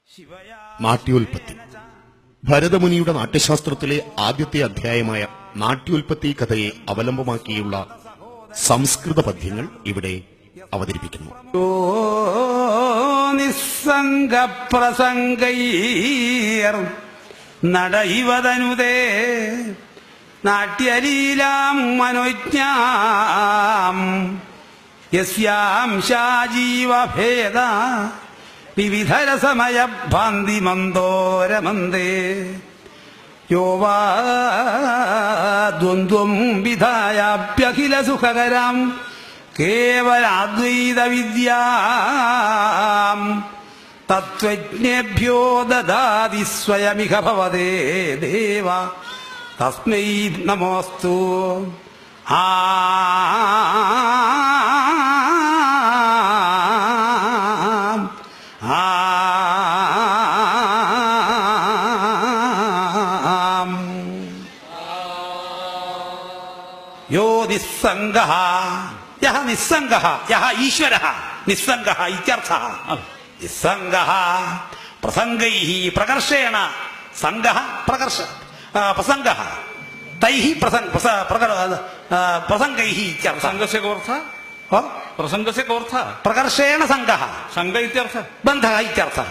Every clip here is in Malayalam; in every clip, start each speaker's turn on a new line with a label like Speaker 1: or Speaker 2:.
Speaker 1: നാട്യോൽപത്തി. ഭരതമുനിയുടെ നാട്യശാസ്ത്രത്തിലെ ആദ്യത്തെ അധ്യായമായ നാട്യോൽപത്തി കഥയെ അവലംബമാക്കിയുള്ള സംസ്കൃത പദ്യങ്ങൾ ഇവിടെ അവതരിപ്പിക്കുന്നു.
Speaker 2: നിസ്സംഗപ്രസംഗൈർ നടൈവതനുതേ നാട്യലീലാം മനോജ്ഞാം യസ്യാം ശാജീവഭേദ വിവിധരസമയ ഭാന്തി മന്ദോരമന്ദേ യോ വാ ദ്വന്ദ്വം വിധായാപ്യഖില സുഖകരാം കേവലാദ്വൈത വിദ്യാം തത്വജ്ഞേഭ്യോ ദദാതി സ്വയമിഹ ഭവതേ ദേവ തസ്മൈ നമോസ്തു. യോ നിസ്സംഗഃ യഹ നിസ്സംഗഃ യഹ ഈശ്വരഃ നിസ്സംഗഃ ഇത്യർത്ഥഃ. നിസ്സംഗഃ പ്രസംഗൈഃ പ്രകർഷേണ സംഗഃ പ്രകർഷ പ്രസംഗഃ തൈഃ പ്രസംഗൈഃ ഇത്യർത്ഥഃ.
Speaker 3: സംഘസ്യ കോർത്ഥഃ പ്രസംഗസ്യ കോർത്ഥഃ
Speaker 2: പ്രകർഷേണ സംഗഃ
Speaker 3: സംഘ ഇത്യർത്ഥഃ
Speaker 2: ബന്ധഃ ഇത്യർത്ഥഃ.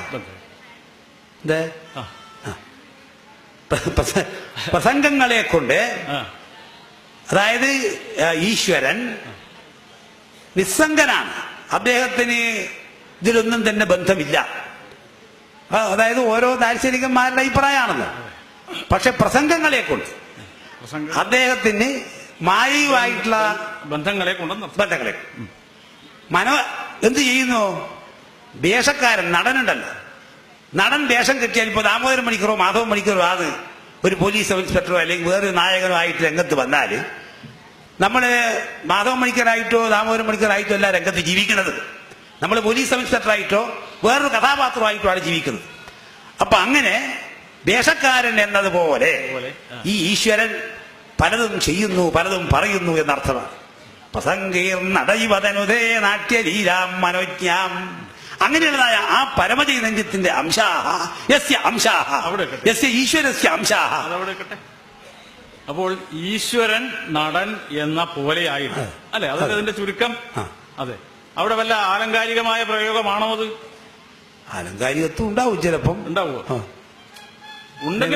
Speaker 2: പ്രസംഗങ്ങളെ കൊണ്ട് അതായത് ഈശ്വരൻ നിസ്സംഗനാണ്, അദ്ദേഹത്തിന് ഇതിലൊന്നും തന്നെ ബന്ധമില്ല. അതായത് ഓരോ ദാർശനികന്മാരുടെ അഭിപ്രായമാണല്ലോ. പക്ഷെ പ്രസംഗങ്ങളെ കൊണ്ട് അദ്ദേഹത്തിന് മായയുമായിട്ടുള്ള
Speaker 3: ബന്ധങ്ങളെ കൊണ്ട്
Speaker 2: മനോ എന്ത് ചെയ്യുന്നു? വേഷക്കാരൻ നടനുണ്ടല്ലോ, നടൻ വേഷം കെട്ടിയാൽ ഇപ്പോൾ ദാമോദരൻ മണിക്കറോ മാധവൻ മണിക്കറോ ആണ് ഒരു പോലീസ് സബ് ഇൻസ്പെക്ടറോ അല്ലെങ്കിൽ വേറൊരു നായകനോ ആയിട്ട് രംഗത്ത് വന്നാൽ നമ്മൾ മാധവൻ മണിക്കറായിട്ടോ ദാമോദരൻ മണിക്കറായിട്ടോ അല്ല രംഗത്ത് ജീവിക്കുന്നത്. നമ്മൾ പോലീസ് സബ് ഇൻസ്പെക്ടറായിട്ടോ വേറൊരു കഥാപാത്രമായിട്ടോ ആണ് ജീവിക്കുന്നത്. അപ്പൊ അങ്ങനെ വേഷക്കാരൻ എന്നതുപോലെ ഈ ഈശ്വരൻ പലതും ചെയ്യുന്നു, പലതും പറയുന്നു എന്നർത്ഥമാണ്. പ്രസംഗീർണടൈവതനുതേ നാട്യലീലാം മനോജ്ഞാം. അങ്ങനെയുള്ളതായ ആ പരമചൈതന്യത്തിന്റെ അംശാഹ യസ്യ അംശാഹ യസ്യ ഈശ്വരസ്യ അംശാഹ.
Speaker 3: അപ്പോൾ ഈശ്വരൻ നടൻ എന്ന പോലെയായിട്ട് അല്ലെ, അതൊക്കെ അതിന്റെ ചുരുക്കം. അതെ, അവിടെ വല്ല ആലങ്കാരികമായ പ്രയോഗമാണോ അത്?
Speaker 2: ആലങ്കാരികത്വം ഉണ്ടാവും, ചിലപ്പം
Speaker 3: ഉണ്ടാവുമോ? ഉണ്ടെങ്കിൽ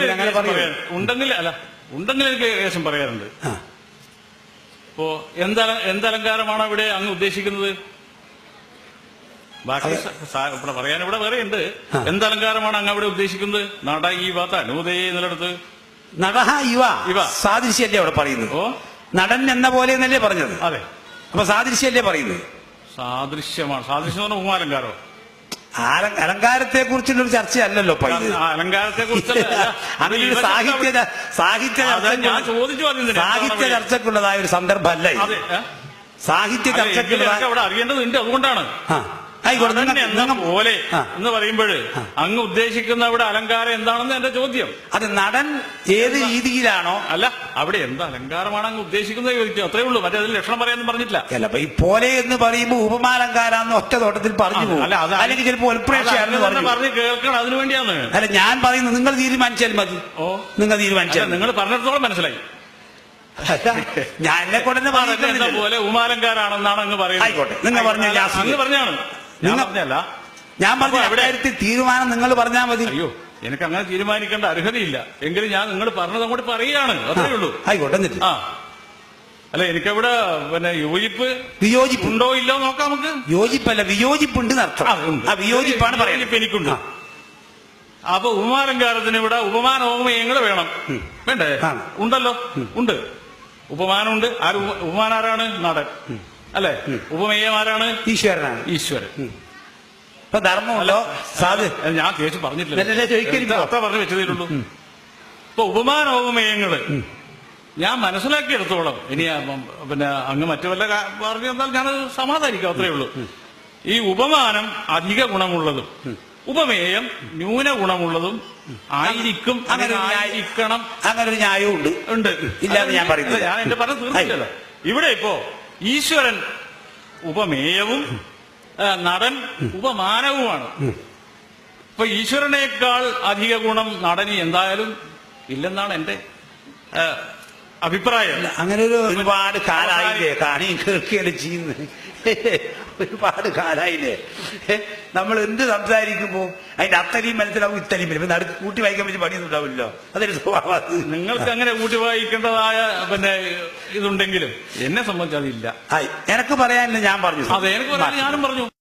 Speaker 3: എനിക്ക് ഏകദേശം പറയാറുണ്ട്. ഇപ്പോ എന്തലങ്കാരമാണ് ഇവിടെ അങ്ങ് ഉദ്ദേശിക്കുന്നത്? ബാക്കി പറയാൻ ഇവിടെ വേറെ ഉണ്ട്. എന്തലങ്കാരമാണ് അങ്ങ് അവിടെ ഉദ്ദേശിക്കുന്നത്? നട ഇവ തനൂതേ എന്നുള്ളടത്ത്
Speaker 2: നടഹ ഇവ സാദൃശ്യല്ലേ അവിടെ പറയുന്നത്? നടൻ എന്ന പോലെ എന്നല്ലേ പറഞ്ഞത്?
Speaker 3: അതെ.
Speaker 2: അപ്പൊ സാദൃശ്യല്ലേ പറയുന്നത്?
Speaker 3: സാദൃശ്യമാണ്. സാദൃശ്യം എന്ന് പറഞ്ഞാൽ ഉപമാലങ്കാരോ?
Speaker 2: അലങ്കാരത്തെ കുറിച്ചുള്ള ഒരു ചർച്ചയല്ലല്ലോ
Speaker 3: അലങ്കാരത്തെ കുറിച്ച്
Speaker 2: അങ്ങനെ ഒരു സാഹിത്യ ചർച്ചക്കുള്ളതായ ഒരു സന്ദർഭമല്ല. സാഹിത്യ ചർച്ചക്കുള്ളതായ
Speaker 3: അവിടെ അറിയേണ്ടതുണ്ട്. അതുകൊണ്ടാണ് പോലെ എന്ന് പറയുമ്പോൾ അങ്ങ് ഉദ്ദേശിക്കുന്ന അവിടെ അലങ്കാരം എന്താണെന്ന് എന്റെ ചോദ്യം.
Speaker 2: അത് നടൻ ഏത് രീതിയിലാണോ
Speaker 3: അല്ല, അവിടെ എന്ത് അലങ്കാരമാണ് അങ്ങ് ഉദ്ദേശിക്കുന്നത് ചോദിക്കും, അത്രേ ഉള്ളൂ. മറ്റേ അതിൽ ലക്ഷണം പറയാനൊന്നും പറഞ്ഞിട്ടില്ല.
Speaker 2: അല്ല, അപ്പൊ ഈ പോലെ എന്ന് പറയുമ്പോൾ ഉപമാലങ്കാരാന്ന് ഒറ്റ തോട്ടത്തിൽ പറഞ്ഞു പോകും. അല്ലെങ്കിൽ ചിലപ്പോൾ
Speaker 3: പറഞ്ഞ് കേൾക്കണം, അതിനു വേണ്ടിയാണ്.
Speaker 2: അല്ല, ഞാൻ പറയുന്നത് നിങ്ങൾ തീരുമാനിച്ചാൽ മതി. നിങ്ങൾ തീരുമാനിച്ചാൽ
Speaker 3: നിങ്ങൾ പറഞ്ഞിടത്തോളം മനസ്സിലായി.
Speaker 2: ഞാൻ എന്നെ കൊണ്ടെന്നെ
Speaker 3: പറയുന്ന പോലെ ഉമാലങ്കാരാണെന്നാണ് അങ്ങ് പറയുന്നത്.
Speaker 2: ആയിക്കോട്ടെ, നിങ്ങൾ പറഞ്ഞില്ല.
Speaker 3: അങ്ങ് പറഞ്ഞാണ്, ഞാൻ പറഞ്ഞല്ല.
Speaker 2: ഞാൻ പറഞ്ഞു എവിടെയായിട്ട് തീരുമാനം നിങ്ങൾ പറഞ്ഞാൽ മതി.
Speaker 3: അയ്യോ, എനിക്ക് അങ്ങനെ തീരുമാനിക്കേണ്ട അർഹതയില്ല. എങ്കിലും ഞാൻ നിങ്ങൾ പറഞ്ഞത് അങ്ങോട്ട് പറയുകയാണ്, അത്രേ ഉള്ളൂ.
Speaker 2: ആയിക്കോട്ടെ.
Speaker 3: ആ അല്ല, എനിക്കവിടെ പിന്നെ വിയോജിപ്പ് ഉണ്ടോ ഇല്ലോ നോക്കാം നമുക്ക്.
Speaker 2: യോജിപ്പല്ല, വിയോജിപ്പുണ്ട് അർത്ഥം. വിയോജിപ്പാണ് പറയുന്നത്.
Speaker 3: എനിക്കുണ്ട്. അപ്പൊ ഉപമാലങ്കാരത്തിന് ഇവിടെ ഉപമാന ഉപമയങ്ങൾ വേണം, വേണ്ടേ? ഉണ്ടല്ലോ, ഉണ്ട്. ഉപമാനമുണ്ട്. ഉപമാനാരാണ്? നടൻ അല്ലെ. ഉപമേയമാരാണ്?
Speaker 2: ഈശ്വരനാണ്.
Speaker 3: ഈശ്വരൻ.
Speaker 2: ഇപ്പൊ ധർമ്മമല്ലോ.
Speaker 3: ഞാൻ കേസ് പറഞ്ഞിട്ടില്ല, അത്ര പറഞ്ഞു വെച്ചതേയുള്ളൂ. ഇപ്പൊ ഉപമാനോപമേയങ്ങള് ഞാൻ മനസ്സിലാക്കിയെടുത്തോളം, ഇനി പിന്നെ അങ്ങ് മറ്റു വല്ല പറഞ്ഞു തന്നാൽ ഞാൻ സമാധാനിക്കാം, അത്രേ ഉള്ളൂ. ഈ ഉപമാനം അധിക ഗുണമുള്ളതും ഉപമേയം ന്യൂന ഗുണമുള്ളതും ആയിരിക്കും.
Speaker 2: അങ്ങനെ
Speaker 3: ആയിരിക്കണം.
Speaker 2: അങ്ങനെ ഒരു ന്യായവും ഉണ്ട്. ഇല്ലാന്ന് ഞാൻ പറയുന്നത്.
Speaker 3: ഞാൻ എന്റെ പറഞ്ഞത് തീർച്ചയല്ല. ഇവിടെ ഇപ്പോ ഈശ്വരൻ ഉപമേയവും നടൻ ഉപമാനവുമാണ്. ഇപ്പൊ ഈശ്വരനേക്കാൾ അധിക ഗുണം നടനി എന്തായാലും ഇല്ലെന്നാണ് എന്റെ അഭിപ്രായം.
Speaker 2: അങ്ങനെ ഒരുപാട് കാലായില്ലേ കാണി കേൾക്കുകയല്ലേ ചെയ്യുന്നത്. ഒരുപാട് കാലായില്ലേ. നമ്മൾ എന്ത് സംസാരിക്കുമ്പോ അതിന്റെ അത്തരിയും മനസ്സിലാവും ഇത്തരിയും ഇപ്പൊ നടുക്ക് കൂട്ടി വായിക്കാൻ പറ്റി പണിയൊന്നും ഉണ്ടാവില്ലല്ലോ. അതൊരു സ്വഭാവം.
Speaker 3: നിങ്ങൾക്ക് അങ്ങനെ കൂട്ടി വായിക്കേണ്ടതായ ഇതുണ്ടെങ്കിലും എന്നെ സംബന്ധിച്ച് അതില്ല.
Speaker 2: എനക്ക് പറയാനില്ല, ഞാൻ പറഞ്ഞു.
Speaker 3: അതെ, എനിക്ക് പറയാൻ ഞാനും പറഞ്ഞു.